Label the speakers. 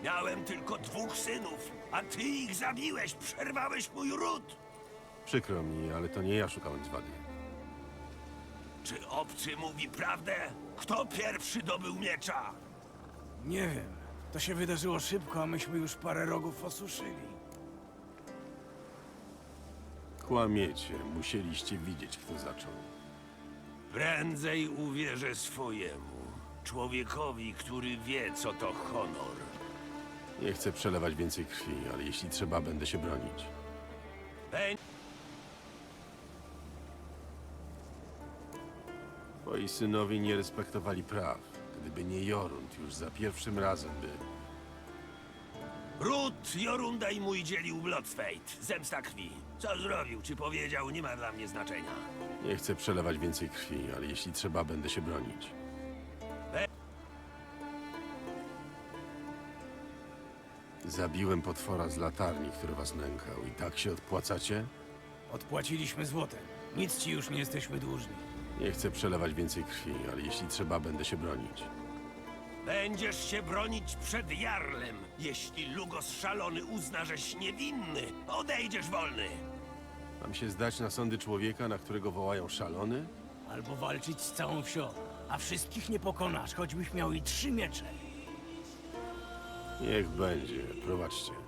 Speaker 1: Miałem tylko 2 synów, a ty ich zabiłeś, przerwałeś mój ród.
Speaker 2: Przykro mi, ale to nie ja szukałem zwady.
Speaker 1: Czy obcy mówi prawdę? Kto pierwszy dobył miecza?
Speaker 3: Nie wiem. To się wydarzyło szybko, a myśmy już parę rogów osuszyli.
Speaker 2: Kłamiecie, musieliście widzieć, kto zaczął.
Speaker 1: Prędzej uwierzę swojemu. Człowiekowi, który wie, co to honor.
Speaker 2: Nie chcę przelewać więcej krwi, ale jeśli trzeba, będę się bronić.
Speaker 1: Beń...
Speaker 2: Twoi synowie nie respektowali praw. Gdyby nie Jorund, już za pierwszym razem by...
Speaker 1: Ród Jorunda i mój dzielił Bloodspate. Zemsta krwi. Co zrobił, czy powiedział, nie ma dla mnie znaczenia.
Speaker 2: Nie chcę przelewać więcej krwi, ale jeśli trzeba, będę się bronić. Zabiłem potwora z latarni, który was nękał. I tak się odpłacacie?
Speaker 3: Odpłaciliśmy złotem. Nic ci już nie jesteśmy dłużni.
Speaker 2: Nie chcę przelewać więcej krwi, ale jeśli trzeba, będę się bronić.
Speaker 1: Będziesz się bronić przed Jarlem. Jeśli Lugos szalony uzna, żeś niewinny, odejdziesz wolny.
Speaker 2: Mam się zdać na sądy człowieka, na którego wołają szalony?
Speaker 3: Albo walczyć z całą wsią. A wszystkich nie pokonasz, choćbyś miał i 3 miecze.
Speaker 2: Niech będzie, prowadźcie.